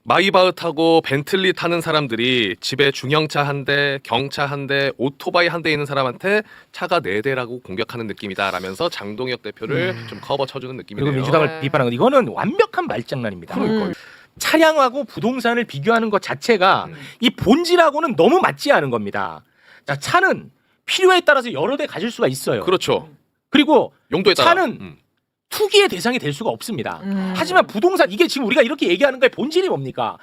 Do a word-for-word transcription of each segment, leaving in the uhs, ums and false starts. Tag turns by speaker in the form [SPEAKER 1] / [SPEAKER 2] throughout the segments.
[SPEAKER 1] 마이바흐 타고 벤틀리 타는 사람들이 집에 중형차 한 대, 경차 한 대, 오토바이 한 대 있는 사람한테 차가 네 대라고 공격하는 느낌이다라면서 장동혁 대표를 좀 커버 쳐주는 느낌이네요.
[SPEAKER 2] 그리고 민주당을
[SPEAKER 3] 네.
[SPEAKER 2] 비판하는 거 이거는 완벽한 말장난입니다.
[SPEAKER 3] 음.
[SPEAKER 2] 차량하고 부동산을 비교하는 것 자체가
[SPEAKER 1] 음.
[SPEAKER 2] 이 본질하고는 너무 맞지 않은 겁니다. 자, 차는 필요에 따라서 여러 대 가질 수가 있어요.
[SPEAKER 1] 그렇죠.
[SPEAKER 2] 그리고
[SPEAKER 1] 용도에 따라.
[SPEAKER 2] 차는
[SPEAKER 1] 음.
[SPEAKER 2] 투기의 대상이 될 수가 없습니다.
[SPEAKER 3] 음.
[SPEAKER 2] 하지만 부동산 이게 지금 우리가 이렇게 얘기하는 거의 본질이 뭡니까?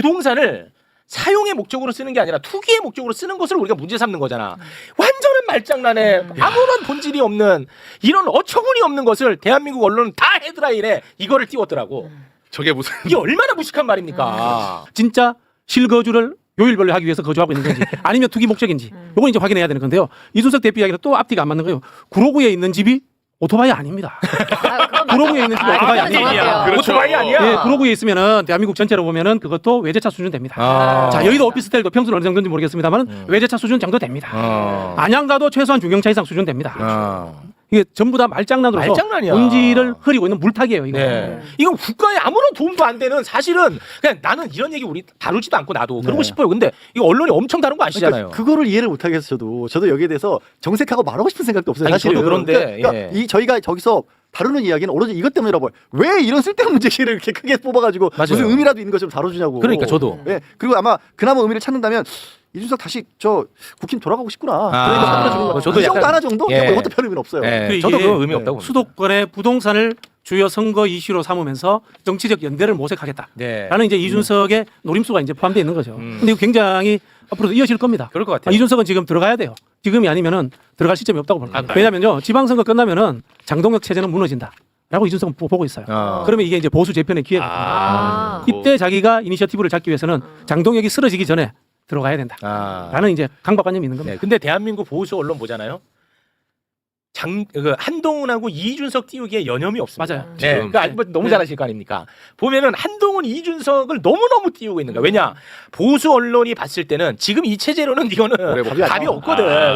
[SPEAKER 2] 부동산을 사용의 목적으로 쓰는 게 아니라 투기의 목적으로 쓰는 것을 우리가 문제 삼는 거잖아. 완전한 말장난에
[SPEAKER 3] 음.
[SPEAKER 2] 아무런 본질이 없는 이런 어처구니 없는 것을 대한민국 언론은 다 헤드라인에 이거를 띄웠더라고.
[SPEAKER 1] 저게 무슨
[SPEAKER 2] 이게 얼마나 무식한 말입니까?
[SPEAKER 4] 진짜 실거주를 요일별로 하기 위해서 거주하고 있는 건지 아니면 투기 목적인지 요건 이제 확인해야 되는 건데요. 이준석 대표 이야기는 또 앞뒤가 안 맞는 거예요. 구로구에 있는 집이 오토바이 아닙니다.
[SPEAKER 3] 아, 그건
[SPEAKER 4] 구로구에 있는 집이
[SPEAKER 3] 아,
[SPEAKER 4] 오토바이
[SPEAKER 3] 그건
[SPEAKER 4] 아니에요.
[SPEAKER 3] 정확해요.
[SPEAKER 1] 그렇죠.
[SPEAKER 2] 오토바이 아니야?
[SPEAKER 4] 예, 구로구에 있으면은 대한민국 전체로 보면은 그것도 외제차 수준 됩니다.
[SPEAKER 2] 아.
[SPEAKER 4] 자, 여의도 오피스텔도 평수는 어느 정도인지 모르겠습니다만
[SPEAKER 2] 음.
[SPEAKER 4] 외제차 수준 정도 됩니다.
[SPEAKER 2] 어.
[SPEAKER 4] 안양가도 최소한 중형차 이상 수준 됩니다.
[SPEAKER 2] 어.
[SPEAKER 4] 이게 전부 다 말장난으로서
[SPEAKER 2] 말장난이야.
[SPEAKER 4] 본질을 흐리고 있는 물타기예요. 이거.
[SPEAKER 2] 네. 이건 국가에 아무런 도움도 안 되는 사실은 그냥 나는 이런 얘기 우리 다루지도 않고 나도 그러고
[SPEAKER 5] 네.
[SPEAKER 2] 싶어요. 근데 이거 언론이 엄청 다룬 거 아시잖아요.
[SPEAKER 5] 그러니까 그거를 이해를 못 하겠어 저도. 저도 여기에 대해서 정색하고 말하고 싶은 생각도 없어요.
[SPEAKER 2] 아니,
[SPEAKER 5] 사실은.
[SPEAKER 2] 저도 그런데,
[SPEAKER 5] 그러니까,
[SPEAKER 2] 예.
[SPEAKER 5] 그러니까 이 저희가 저기서 다루는 이야기는 오로지 이것 때문이라고 봐요. 왜 이런 쓸데없는 문제를 이렇게 크게 뽑아가지고
[SPEAKER 2] 맞아요.
[SPEAKER 5] 무슨 의미라도 있는 것처럼 다뤄주냐고.
[SPEAKER 2] 그러니까 저도.
[SPEAKER 5] 예. 그리고 아마 그나마 의미를 찾는다면 이준석 다시 저 국힘 돌아가고 싶구나.
[SPEAKER 2] 아,
[SPEAKER 5] 그러니까 사람들은 주는 거.
[SPEAKER 2] 저도
[SPEAKER 5] 이 정도
[SPEAKER 2] 약간-
[SPEAKER 5] 하나 정도?
[SPEAKER 2] 예.
[SPEAKER 5] 뭐 이것도 별 의미는 없어요.
[SPEAKER 2] 예,
[SPEAKER 4] 그
[SPEAKER 2] 저도
[SPEAKER 4] 이게
[SPEAKER 2] 그 의미 없다고 봅니다.
[SPEAKER 4] 수도권의 부동산을 주요 선거 이슈로 삼으면서 정치적 연대를 모색하겠다라는
[SPEAKER 2] 네.
[SPEAKER 4] 이제 이준석의 노림수가 이제 포함되어 있는 거죠.
[SPEAKER 2] 음.
[SPEAKER 4] 근데 이거 굉장히 앞으로도 이어질 겁니다.
[SPEAKER 2] 그럴 것
[SPEAKER 4] 아,
[SPEAKER 2] 같아요.
[SPEAKER 4] 이준석은 지금 들어가야 돼요. 지금이 아니면은 들어갈 시점이 없다고 봅니다.
[SPEAKER 2] 아,
[SPEAKER 4] 왜냐면요, 지방선거 끝나면은 장동혁 체제는 무너진다라고 이준석은 보- 보고 있어요.
[SPEAKER 2] 어.
[SPEAKER 4] 그러면 이게 이제 보수 재편의 기회가
[SPEAKER 3] 아.
[SPEAKER 4] 이때 자기가 이니셔티브를 잡기 위해서는 장동혁이 쓰러지기 전에 들어가야 된다라는
[SPEAKER 2] 아.
[SPEAKER 4] 이제 강박관념이 있는 겁니다.
[SPEAKER 2] 네. 근데 대한민국 보수 언론 보잖아요. 장, 그 한동훈하고 이준석 띄우기에 여념이 없습니다.
[SPEAKER 4] 맞아요.
[SPEAKER 2] 네,
[SPEAKER 1] 지금.
[SPEAKER 2] 그러니까 뭐 너무
[SPEAKER 4] 네.
[SPEAKER 2] 잘 아실 거 아닙니까? 보면은 한동훈, 이준석을 너무너무 띄우고 있는 거야. 왜냐? 보수 언론이 봤을 때는 지금 이 체제로는 이거는
[SPEAKER 1] 오래
[SPEAKER 2] 답이
[SPEAKER 5] 못 가.
[SPEAKER 2] 없거든.
[SPEAKER 1] 아.